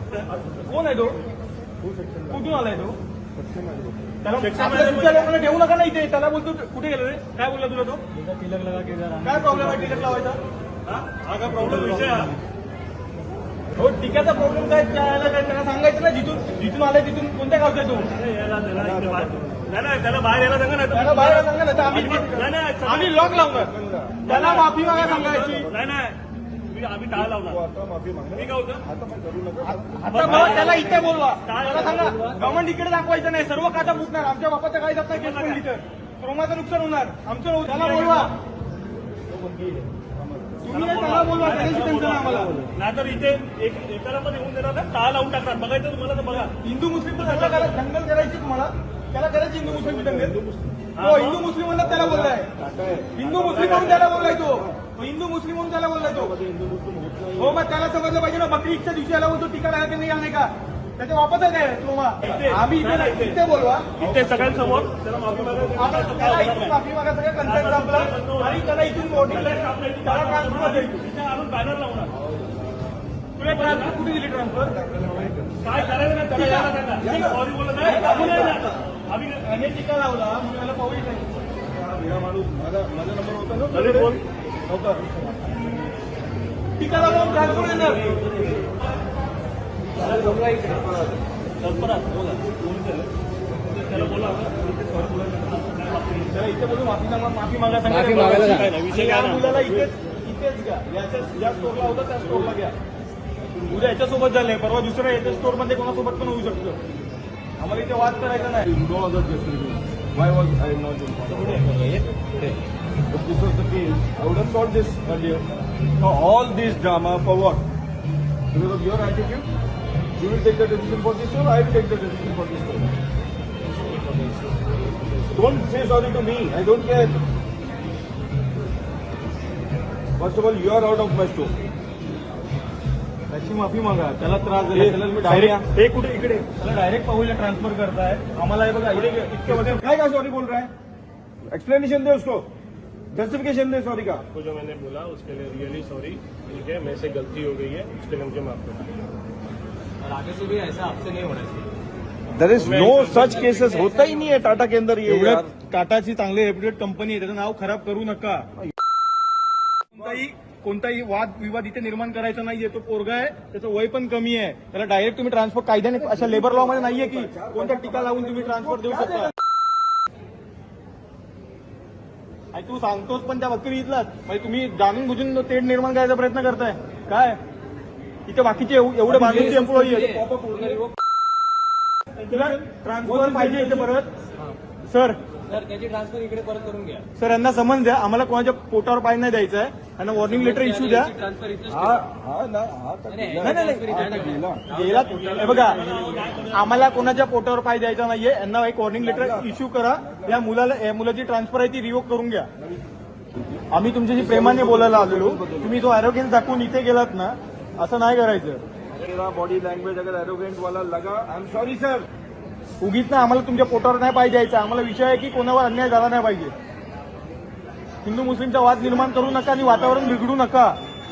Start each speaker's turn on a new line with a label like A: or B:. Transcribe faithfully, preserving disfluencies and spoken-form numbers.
A: कोण आहे तो? कुठून आलाय तो? त्याला तुमच्या लोकांना ठेवू नका ना इथे. त्याला बोलतो कुठे गेलं रे? काय बोलला तुला तो? तिलक लगा के काय प्रॉब्लेम आहे टिकट लावायचा?
B: हा का प्रॉब्लेम विषय हा?
A: हो टिकाचा प्रॉब्लेम काय त्याला सांगायचं ना. जिथून जिथून आलाय तिथून कोणत्या गावचा आहे तो?
B: यायला त्याला इथे बाहेर नाही नाही त्याला बाहेर यायला सांगा
A: त्याला
B: ना.
A: बाहेर सांगा ना. तर आम्ही
B: नाही नाही
A: आम्ही लॉक लावणार. त्याला माफी मागा सांगायची.
B: नाही नाही मी आम्ही टाळ लावणार. मी काय होतं
A: आता मग त्याला इथे बोलवा. त्याला सांगा गव्हर्नमेंट इकडे दाखवायचं नाही. सर्व काटा फुटणार. आमच्या बापाचं काही जात नाही. केस पडली तर क्रोमाचं नुकसान होणार आमचं. होऊ. त्याला बोलवा. तुम्ही नाही त्याला बोलवा. त्याच्याशी टेन्शन आहे आम्हाला.
B: नाहीतर इथे एक एकाला पण येऊन देणार ना. टाळ लावून टाकणार. बघायचं तुम्हाला तर बघा.
A: हिंदू मुस्लिम दंगल दंगल करायची तुम्हाला. त्याला करायची हिंदू मुस्लिम दंगल. तो हिंदू मुस्लिम म्हणून त्याला बोललाय. हिंदू मुस्लिम म्हणून त्याला बोललाय तो. हिंदू मुस्लिम म्हणून त्याला बोललाय तो. हो मग त्याला समजलं पाहिजे ना. बकरी ईदच्या दिवशी याला बोलतो टीका लागत नाही नाही का? त्याच्या वापस आहे काय ट्रोमा? आम्ही इथे इथे बोलवा.
B: इथे सगळ्यांसमोर त्याला माफी मागायला
A: त्याला इथून माफी मागा. सगळं कन्सर्ट संपला आणि त्याला इथून वोटिंग त्याला ट्रान्सफर द्यायची.
B: आणून बॅनर लावणार.
A: तुला ट्रान्सफर कुठे दिली? ट्रान्सफर
B: काय करायचं नाही त्याला यायला सांगा. सॉरी बोलत नाही आम्ही
A: याने टीका लावला म्हणून याला पाहू नाही.
C: माझा माझा नंबर होता ना.
B: अरे बोल
C: होता.
A: टीका लावून ट्रान्सफर देणार.
B: तत्परात बोला त्याला बोला
A: त्याला इथे बोलून माफी मागा. माफी मागा सांगा.
D: माफी मागायला
B: काय नाही, विषय
A: या
B: काय नाही.
A: मुलाला इथेच इथेच घ्या. याच्या ज्या स्टोरला होता त्या स्टोरला घ्या. उद्या याच्यासोबत झालंय. परवा दुसऱ्या याच्या स्टोरमध्ये कोणासोबत पण होऊ शकतं. आम्हाला इथे वाद करायचा नाही.
C: No other justification. Why was I not informed? If this was the case, I would have solved this earlier. Now all this drama for what? Because of your attitude? You will take the decision for this store, I will take the decision for this store. Don't say sorry to me. I don't care. First of all, you are out of my store.
A: त्याची माफी मागा. त्याला त्रास दिला. त्याला मी direct
B: ते कुठे इकडे
A: त्याला डायरेक्ट पाहूला ट्रान्सफर करताय. आम्हाला हे बघा इथे इतके वजन
C: काय का सॉरी बोल रहा है? एक्सप्लेनेशन दे उसको. जस्टिफिकेशन दे सॉरी का.
B: को जो मैंने बोला उसके लिए रियली सॉरी. ठीक है मेरे से गलती हो गई है उसके लिए मुझे माफ करना.
D: और आगे से भी ऐसा आपसे नहीं होना चाहिए.
C: There is no such cases. होता ही नहीं है टाटा के अंदर ये.
A: एवढ्या टाटाची चांगली रेप्युटेड कंपनी आहे. त्याचं नाव खराब करू नका. कोणताही कोणताही वाद विवाद इथे निर्माण करायचा नाहीये. तो पोरगा आहे. त्याचं वय पण कमी आहे. त्याला डायरेक्ट तुम्ही ट्रान्सफर कायद्याने अशा लेबर लॉ मध्ये नाहीये की कोणत्या टीका लावून तुम्ही ट्रान्सफर देऊ शकता. आणि तू सांगतोस पण त्या बकरी इथलाच. म्हणजे तुम्ही जाणून बुजून तेढ निर्माण करायचा प्रयत्न करताय काय? इथे बाकीचे एवढे बाजूचे एम्प्लॉई आहेत. तुला ट्रान्सफर पाहिजे इथे परत. सर
D: सर त्याची ट्रान्सफर इकडे परत करून घ्या.
A: सर यांना समज द्या. आम्हाला कोणाच्या पोटावर पाय नाही द्यायचं आहे. यांना वॉर्निंग लेटर इश्यू द्या.
D: ट्रान्सफर इथेच
C: हा हा ना हा तर
D: नाही,
C: गेला.
A: नाही नाही
D: transfer इथे
C: गेला.
A: गेला. हे बघा आम्हाला कोणाच्या पोटावर पाय द्यायचा नाहीये. यांना एक वॉर्निंग लेटर इश्यू करा. या मुलाला या मुलाची ट्रान्सफर आहे ती रिवोक करून घ्या. आम्ही तुमच्याशी प्रेमाने बोलायला आलेलो. तुम्ही जो अॅरोगेन्स दाखवून इथे गेलात ना असं नाही करायचं.
C: मेरा बॉडी लैंग्वेज अगर एरोगेंट वाला लगा आई एम सॉरी सर.
A: उगीच ना आम्हाला तुमच्या पोटावर नाही पाय द्यायचा. आम्हाला विषय आहे की कोणावर अन्याय झाला नाही पाहिजे. हिंदू मुस्लिमचा वाद निर्माण करू नका आणि वातावरण बिघडू नका.